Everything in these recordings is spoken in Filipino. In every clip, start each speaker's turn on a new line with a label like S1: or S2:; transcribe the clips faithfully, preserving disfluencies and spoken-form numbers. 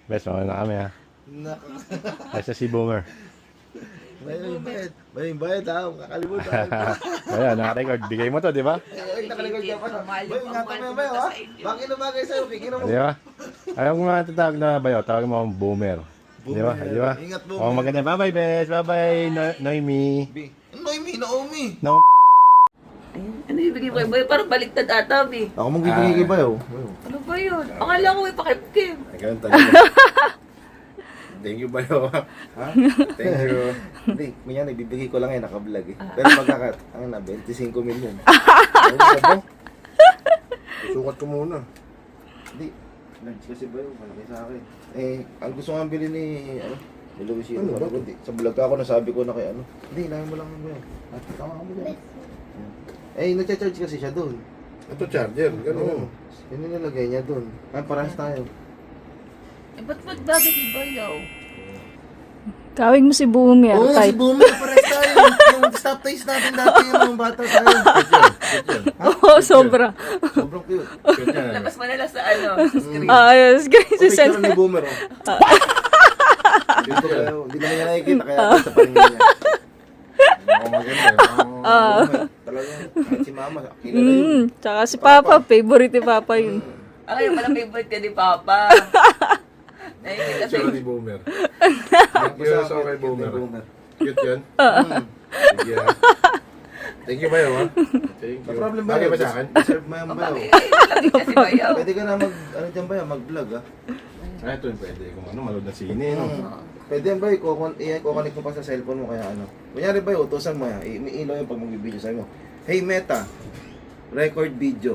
S1: Bes, mga na kami ha.
S2: Naka.
S1: Ay sa si Boomer.
S2: Bayang bayad. Bayang bayad ha. Kakalimutan.
S1: Ayan, naka-record. Bigay mo to, di ba?
S2: Ay, nakaligod ka pa. Bayang nga kami bayo ha. Bakit na bagay sa'yo? Kikino mo.
S1: Di ba? Ayaw mo nga tatawag na bayo. Tawag mo akong Boomer. Di ba? Di ba?
S2: Ingat mo.
S1: Oh, maganda. Bye-bye, Bes. Bye-bye, no Noemi.
S2: Noemi, Naomi.
S1: No.
S3: Ano ibigay mo kay Bayo? Parang baliktad ata, eh.
S2: Ako mong bibigay kay bayo.
S3: Ano ba yun? Akala ko may pakipkim.
S1: Ganun talaga. Thank you, bayo.
S2: Ha? Thank you. Hindi, minyan ibibigay ko lang eh, naka-vlog eh. Pero magkakat, ang na, twenty-five million.
S1: Ano ba ba? Susukat ko muna.
S2: Hindi, lunch kasi bayo, malaki sa akin. Eh, ang gusto nga bilhin ni, ano, ni Luisito.
S1: Ano ba?
S2: Hindi, sa vlog ako nasabi ko na kay ano. Hindi, inahin mo lang yung bayo. At tama ka mo dyan. Eh, nagcha-charge kasi siya doon.
S1: Ito charger.
S2: Oo.
S1: Ganun.
S2: Yun yung nilagay niya doon. Ay, parehas tayo.
S3: Eh, ba't ba't bagay kay Bayo?
S4: Tawag mo si Boomer.
S2: Oo,
S4: Type.
S2: si Boomer, parehas tayo. Yung stop taste natin dati yung mga bata tayo.
S4: Oo, sobra.
S2: Sobrang cute.
S3: Labas mo nila sa ano, sa screen.
S4: Ah, yes, guys.
S2: O, picture ni Boomer, oh. Dito kayo, hindi na niya nakikita kaya ito sa paningin niya.
S1: Oo, maganda.
S2: Ah. Talagang, kahit si Mama, kilala yun.
S4: Mm, tsaka si Papa, favorite ni Papa yun.
S3: Ah, kaya pala favorite ka ni Papa. Nakikita sa
S1: Picture ni Boomer. Thank you
S2: Basta
S1: sa
S2: ako,
S1: kay
S2: cute ni
S1: Boomer.
S2: Boomer.
S1: Cute yun?
S2: Mm.
S1: Sige ha. Thank you, bayo ha. Thank
S2: No
S1: you.
S2: problem ba
S1: Bagay
S2: yun?
S1: ba sa akin?
S2: Serve mo yan ba yun?
S3: Bakit kasi Bayo?
S2: Pwede ka na mag, ano dyan ba yan, mag-vlog ah.
S1: Ah, ito yung pwede. Kung ano, malood na sine, no?
S2: Mm. Pwede yan ba yun, kukon- i- kukonek mo pa sa cellphone mo kaya ano. Kunyari ba yun, utusan mo yan, i- ilaw yung pag mag-video sa'yo mo. Hey Meta, record video.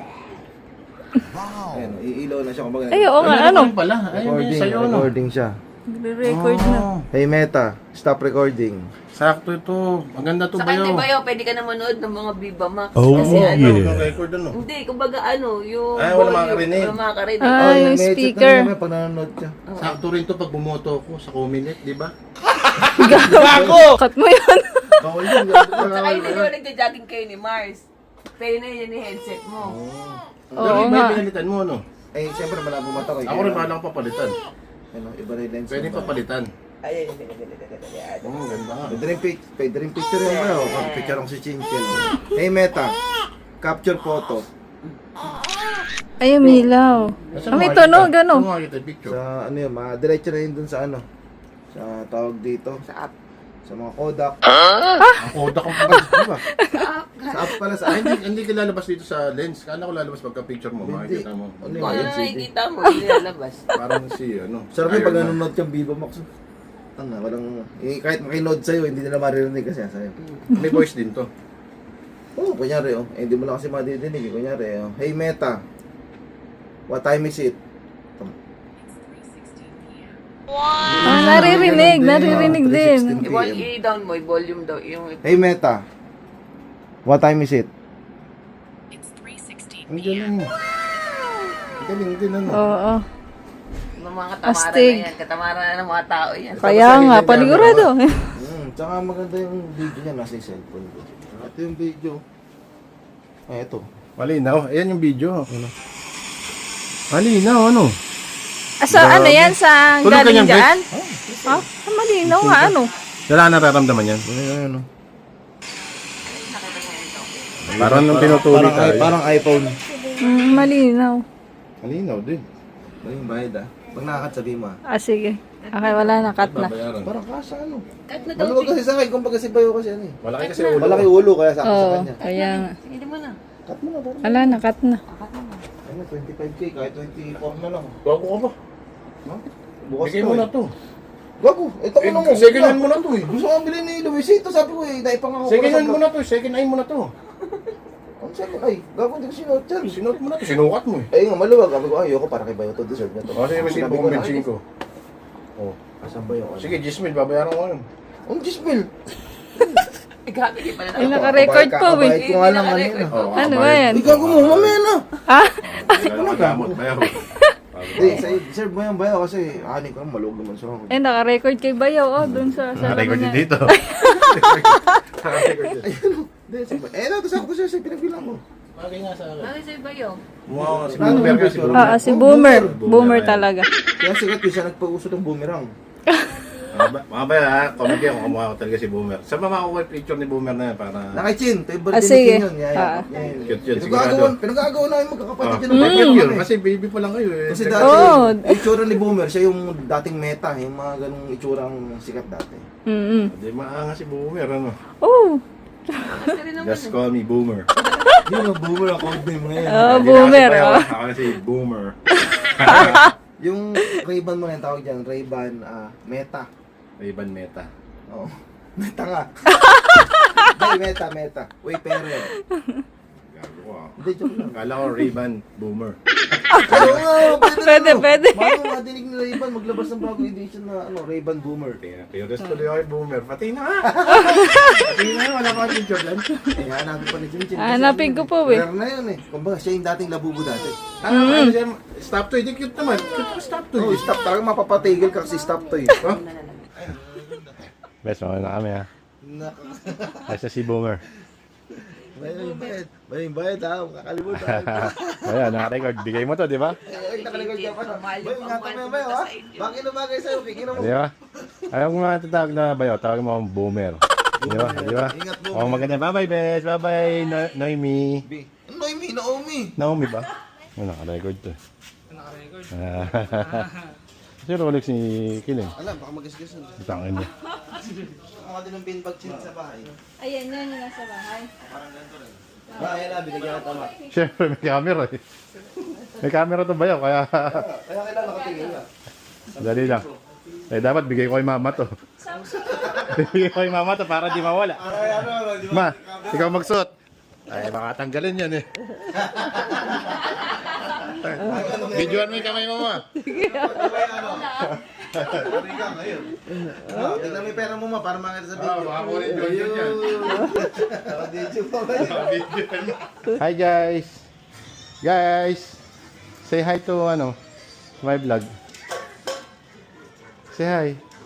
S2: Wow! Ayan, iilaw na siya kumbaga.
S4: Ay, oo nga, ano?
S1: pala. Ayun
S2: Recording,
S1: yung sa'yo, no?
S2: recording siya.
S4: Nagre-record na.
S2: Hey Meta, stop recording.
S1: Sakto ito. Maganda to,
S3: Sa kanya
S1: bayo.
S3: Bayo, pwede ka na manood ng mga Viva Max.
S1: Oh,
S3: Kasi ano,
S1: yeah. Record ano?
S3: hindi, kumbaga ano, yung
S1: Ay, wala
S3: volume,
S1: makakarinig.
S3: Wala makakarinig.
S4: Ah,
S2: Oh,
S4: yung
S2: may headset
S4: speaker.
S2: na naman pag nanonood ka.
S1: Sakto rin to pag bumoto ko sa Cominet, di ba?
S4: Cut mo yun.
S2: Bawal yun.
S3: Saka hindi naman nagja-jogging kayo ni Mars. Pwede na yun yung headset mo.
S4: Oo
S1: Pero iba
S4: nga.
S1: yung pinalitan mo, no?
S2: Eh, siyempre malabo mata ko.
S1: Ako rin bahala akong papalitan.
S2: Ano, iba rin lens.
S1: Pwede
S2: mo ba?
S1: papalitan.
S3: Ay, ay, ay, ay, ay, ay, ay.
S1: Oo, ganda nga.
S2: Pwede rin, pic- pwede rin picture yung ba? Pag picture ako si Chinchen. Hey Meta, capture photo.
S4: Ay, umilaw.
S1: Nasaan
S4: Ah, may
S1: mo
S4: tunog,
S1: makikita?
S4: ano?
S1: Saan mo makikita yung picture?
S2: Sa ano yun, ma-diretso na yun dun sa ano. Sa tawag dito.
S3: Sa app.
S2: Sa mga Kodak.
S1: Ang Kodak ang pagkas, di ba?
S3: Sa app.
S2: Sa app pala sa
S1: Ah, hindi, hindi ka lalabas dito sa lens. Kala ko lalabas pagka picture mo,
S2: Hindi.
S1: makikita mo.
S2: Ano
S3: Kung ano
S2: yun?
S3: nakikita mo, hindi lalabas.
S1: Parang si, ano.
S2: Sarap yung pag
S1: Iron Man.
S2: nanonood kang Viva Max. Ano, walang, eh, kahit makinood sa'yo, hindi nila maririnig kasi sa'yo.
S1: May voice din to.
S2: Oo, oh, kunyari oh. Eh, hindi mo lang kasi madidinig. eh. Kunyari oh. Hey Meta, what time is it?
S4: Ah, naririnig, naririnig din.
S3: I-vol- I-down mo, i-volume daw. Yung
S2: Hey Meta, what time is it?
S1: Ang galing. Ang galing din, ano.
S4: Oo.
S3: yung mga katamaran
S4: Astig.
S3: na yan. Katamaran na ng mga tao yan.
S4: Kaya nga, panigurado.
S2: Hmm, tsaka maganda yung video niya, nasa yung cellphone ko. Ito yung video. Ay, ito.
S1: Malinaw. Ayan yung video. Ano? Malinaw, ano?
S4: Ah, sa ano yan? Sa
S1: Tulog ka
S4: galing
S1: niyan, Bes?
S4: dyan? Ha? Ah, malinaw nga, ano?
S1: Wala ka nararamdaman yan.
S2: Ano yun, ano?
S1: Parang nung pinutuli
S2: Parang,
S1: tayo.
S2: parang iPhone.
S4: Mm, malinaw.
S1: Malinaw din.
S2: Ano yung bayad ah? Pag nakakat sabi mo ah.
S4: Ah, sige. Okay, wala na, cut na.
S1: Babayaran.
S2: Parang kasa ano?
S3: Kahit na daw.
S2: Maluwag kasi sa akin, kumbaga si Bayo kasi ano eh.
S1: Malaki kasi ulo.
S2: Malaki ulo kaya sakto sa
S4: Oo,
S2: kanya.
S4: kaya nga.
S3: Sige mo na.
S2: Cut mo na, parang.
S4: Wala na, cut na.
S2: Ano, twenty-five K, kahit twenty-four na lang.
S1: Gago ka ba?
S2: Ha? Bukas
S1: Bigay
S2: to
S1: mo
S2: eh.
S1: na to.
S2: Gago, ito ko
S1: Eh,
S2: na mo.
S1: second hand mo na to eh.
S2: Gusto ko bilhin ni Luisito, sabi ko eh, naipang ako.
S1: Second hand mo na to. Second eye mo na to.
S2: Ang second, ay, gago, hindi ko sinuot yan.
S1: Sinuot mo na to. Sinukat mo eh.
S2: Ay nga, maluwag. Sabi ko, ayoko, para kay Bayo to, deserve na to.
S1: O, sige, resibo
S2: Sabi
S1: kong
S2: na,
S1: bensin ko. Oh.
S2: Asan ba yung ano?
S1: Sige, Gismil, babayaran ko yun.
S2: Ang Gismil.
S3: Eh, grabe, di pa na
S4: Ay,
S3: na.
S4: naka-record
S2: Kabayad-
S4: po eh.
S2: kabayad ko nga lang
S3: Hindi
S2: kanina.
S3: naka-record.
S1: Oh,
S4: Ano ba
S1: kabayad.
S4: yan?
S2: Ay, gago mo, mamaya na.
S4: Ah?
S1: Wala ka gamot. Bayaw.
S2: Hindi, sa- deserve mo yan Bayo kasi ani ko, maluwag naman siya.
S4: Eh, naka-record kay Bayaw, oh, dun sa... sa
S1: Naka-record
S4: ano
S1: din
S4: niya.
S1: dito. Naka-record din.
S2: Ayun, hindi, sabi. Eh, nato sakto siya sa pinagbilang ko.
S1: Bagay nga sa akin.
S3: Bakit sa'yo Bayo?
S2: Wow,
S1: Si Boomer kasi,
S2: Boomer.
S4: Oo, si Boomer.
S1: Boomer
S4: Boomer
S1: yan.
S4: talaga.
S2: Kaya sikat yun siya nagpauso ng boomerang.
S1: Mga ba- mga bayo ha, comment kayo kung kumukha ko talaga si Boomer. Saan ba makukuha yung picture ni Boomer na yan para...
S2: Nakichin, favorite
S4: Ah,
S2: ni
S4: sige.
S2: Chin yun. Yan,
S4: Ah.
S2: yan.
S1: Cute yun,
S2: Pinagagawan,
S1: sigurado.
S2: pinagagawan namin magkakapatid
S1: Ah,
S2: yun.
S1: mm.
S2: ng
S1: Cute yun,
S2: eh.
S1: kasi baby pa lang kayo eh.
S2: Kasi
S1: Teka-
S2: dati,
S4: Oo.
S2: yung itsura ni Boomer, siya yung dating meta, yung mga ganung itsurang sikat dati.
S4: Mm-mm.
S1: Hindi maanga si Boomer, ano?
S4: Oh.
S3: Kasi rin naman.
S1: Just call me Boomer.
S2: Hindi na Boomer ang code name ngayon.
S4: Oh,
S1: Hindi na
S4: Boomer.
S1: kasi
S4: Oh.
S1: bayo, Ako na si Boomer.
S2: Yung Ray-Ban mo na yung tawag dyan, Ray-Ban ah, Meta.
S1: Ray-Ban Meta.
S2: Oo. Meta nga. Hindi, Meta, Meta. Uy, pere.
S1: Gago ko ah.
S2: Hindi, joke lang.
S1: Kala ko Ray-Ban Boomer.
S2: Oo nga, pwede,
S4: Pwede,
S2: na, no?
S4: pwede.
S2: Bago madinig ni Ray-Ban, maglabas ng bagong edition na ano, Ray-Ban Boomer.
S1: Kaya, curious tuloy ako kay Boomer. Pati na nga. Pati na nga, wala pa akong picture lang.
S2: Eh, hanapin pa ni Chinchin. Kasi
S4: Hanapin
S2: ano
S4: ko
S2: yun
S4: po, eh.
S2: Rare na yun eh. Kumbaga, siya yung dating labubo dati.
S1: Ano, ano siya, stop to, hindi cute naman. Cute ko stop to.
S2: Oh, stop. Talagang mapapatigil ka kasi stop to eh.
S1: Huh? Best, okay na kami ha.
S2: Naka.
S1: Kasi si Boomer.
S2: Bayad, bayad. Bayad, bayad ha. Kakalimutan.
S1: Ayan, naka-record. Bigay mo to, di ba?
S2: Ay, nakaligod ka pa na.
S3: Mahal
S2: Bay,
S3: yung
S2: ingatan mo
S3: pangmahal
S2: yung bayo
S3: ko
S2: ha.
S3: sa inyo.
S2: Bakit na bagay sa'yo? Kikina mo.
S1: Di ba? Ayaw ko nga tatawag na bayo. Tawag mo akong Boomer. Di ba? Di ba?
S2: Ingat mo.
S1: Oh, maganda. Bye-bye, Bes. Bye-bye, no- Noemi.
S2: Bi. Naomi, Naomi.
S1: Naomi ba? Oh, naka-record to. Naka-record? Kasi Rolex ni Kiling.
S2: Alam, baka magasgasan.
S1: Itangin niya.
S2: Mga din ng pinbag chin sa bahay.
S4: Ayan, yan yung nasa bahay.
S2: Ah, ayan na, binigyan na tama.
S1: Siyempre, may camera eh. May camera to bayo, kaya...
S2: Kaya kailan nakatingin ka.
S1: Dali lang. Eh, dapat bigay ko kay mama to. Bigay ko kay mama to para di mawala.
S2: Ay, ano, ano, di
S1: Ma, ikaw magsuot. Ay, baka tanggalin yan eh. Videoan mo yung kamay mo, ma.
S2: Sorry ka ngayon. Ah, tignan mo yung pera mo ma, para makita sa
S1: Ah,
S2: video.
S1: baka kunin yun yun yan.
S2: Naka-video pa ba yun?
S1: Hi guys. Guys. Say hi to ano, my vlog. Say hi.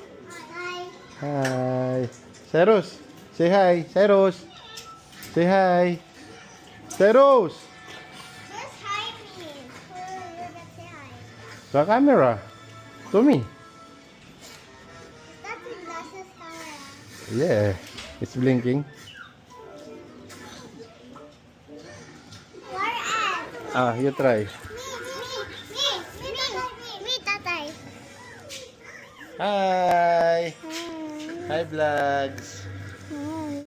S1: Hi. Cyrus. Say hi. Cyrus. Say hi. Cyrus.
S5: Just hi me. Who will get say hi?
S1: Sa camera. To me.
S5: That's the glasses camera.
S1: Yeah. It's blinking.
S5: Where at?
S1: Ah, you try.
S5: Me, me, me, me, me, me, tatay.
S1: Hi.
S5: Hmm.
S1: Hi vlogs.